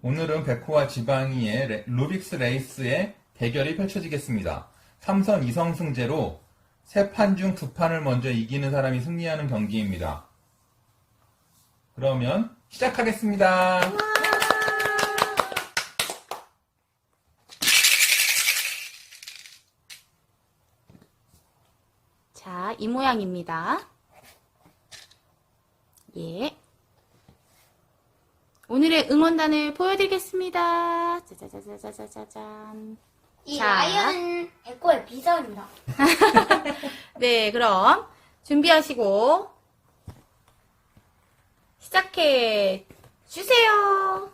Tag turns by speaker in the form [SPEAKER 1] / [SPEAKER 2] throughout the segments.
[SPEAKER 1] 오늘은 백호와 지방이의 루빅스 레이스의 대결이 펼쳐지겠습니다. 3선 2성승제로 3판 중 2판을 먼저 이기는 사람이 승리하는 경기입니다. 그러면 시작하겠습니다.
[SPEAKER 2] 자, 이 모양입니다. 예. 오늘의 응원단을 보여드리겠습니다. 짜자자자자자잔.
[SPEAKER 3] 이
[SPEAKER 2] 자.
[SPEAKER 3] 라이언은 백호의 비서입니다.
[SPEAKER 2] 네, 그럼 준비하시고 시작해 주세요.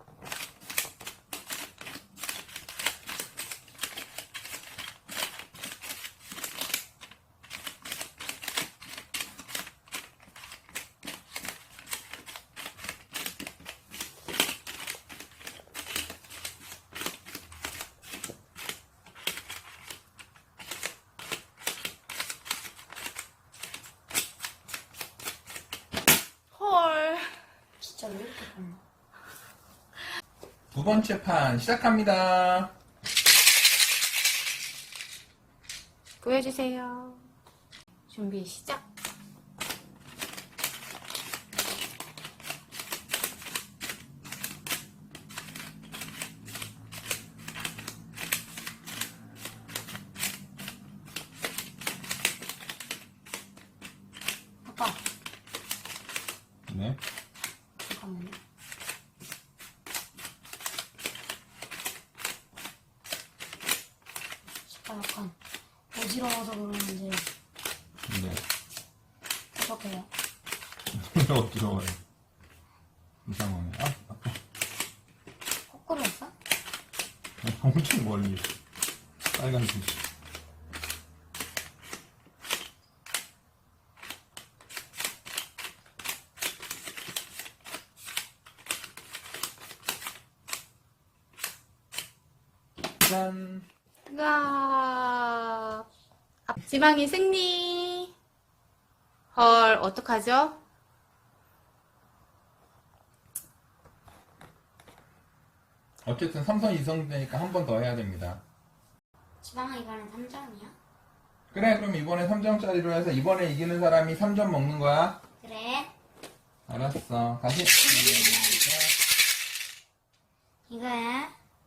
[SPEAKER 2] 헐.
[SPEAKER 3] 진짜 왜 이렇게 빨라?
[SPEAKER 1] 두 번째 판 시작합니다.
[SPEAKER 2] 보여주세요. 준비 시작.
[SPEAKER 3] 아빠,
[SPEAKER 1] 네.
[SPEAKER 3] 잠깐만요. 진짜 약간 어지러워서 그러는지
[SPEAKER 1] 네.
[SPEAKER 3] 어떡해요?
[SPEAKER 1] 어지러워요. 이상하네. 아파.
[SPEAKER 3] 거꾸로였어?
[SPEAKER 1] 엄청 멀리. 빨간색. 짠.
[SPEAKER 2] 가 지방이 승리. 헐, 어떡하죠?
[SPEAKER 1] 어쨌든 3선 2성되니까 한 번 더 해야 됩니다.
[SPEAKER 3] 지방아 이번엔 3점이야?
[SPEAKER 1] 그래, 그럼 이번에 3점짜리로 해서 이번에 이기는 사람이 3점 먹는 거야?
[SPEAKER 3] 그래.
[SPEAKER 1] 알았어. 다시.
[SPEAKER 3] 이거야.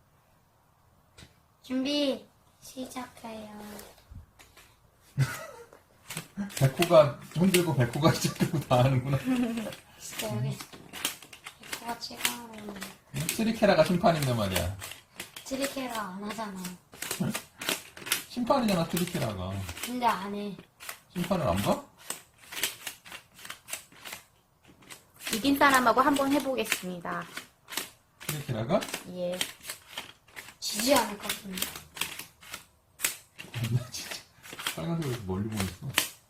[SPEAKER 3] 준비 시작해요.
[SPEAKER 1] 백호가 흔들고 백호가 시작하고 다 하는구나.
[SPEAKER 3] 진짜 여기 백호가 치가로
[SPEAKER 1] 스리케라가 심판인데 말이야.
[SPEAKER 3] 트리케가 안 하잖아.
[SPEAKER 1] 심판이잖아, 스리케라가.
[SPEAKER 3] 근데 안 해.
[SPEAKER 1] 심판을 안 봐?
[SPEAKER 2] 이긴 사람하고 한번 해보겠습니다.
[SPEAKER 1] 스리케라가?
[SPEAKER 2] 예.
[SPEAKER 3] 지지 않을 것 같은데.
[SPEAKER 1] 나 진짜 빨간색으로 멀리 보냈어.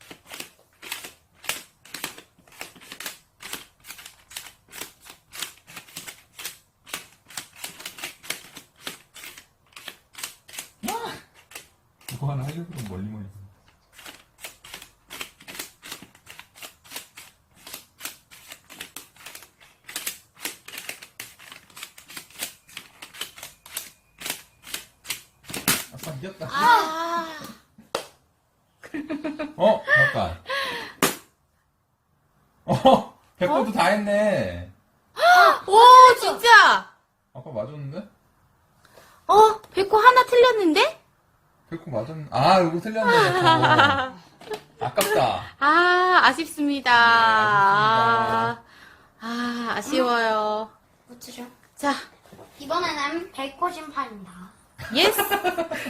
[SPEAKER 1] 그거 하나 하려고 그러면 멀리 보냈어. 아빠 이겼다.
[SPEAKER 2] 아,
[SPEAKER 1] 잠깐. 백호도 다 했네.
[SPEAKER 2] 오, 진짜.
[SPEAKER 1] 아까 맞았는데?
[SPEAKER 2] 백호 하나 틀렸는데?
[SPEAKER 1] 백호 맞았는데. 아, 이거 틀렸네, 백호. 아깝다.
[SPEAKER 2] 아, 아쉽습니다.
[SPEAKER 1] 네,
[SPEAKER 2] 아쉬워요.
[SPEAKER 3] 무트죠?
[SPEAKER 2] 자,
[SPEAKER 3] 이번에는 백호 심판입니다.
[SPEAKER 2] 예스.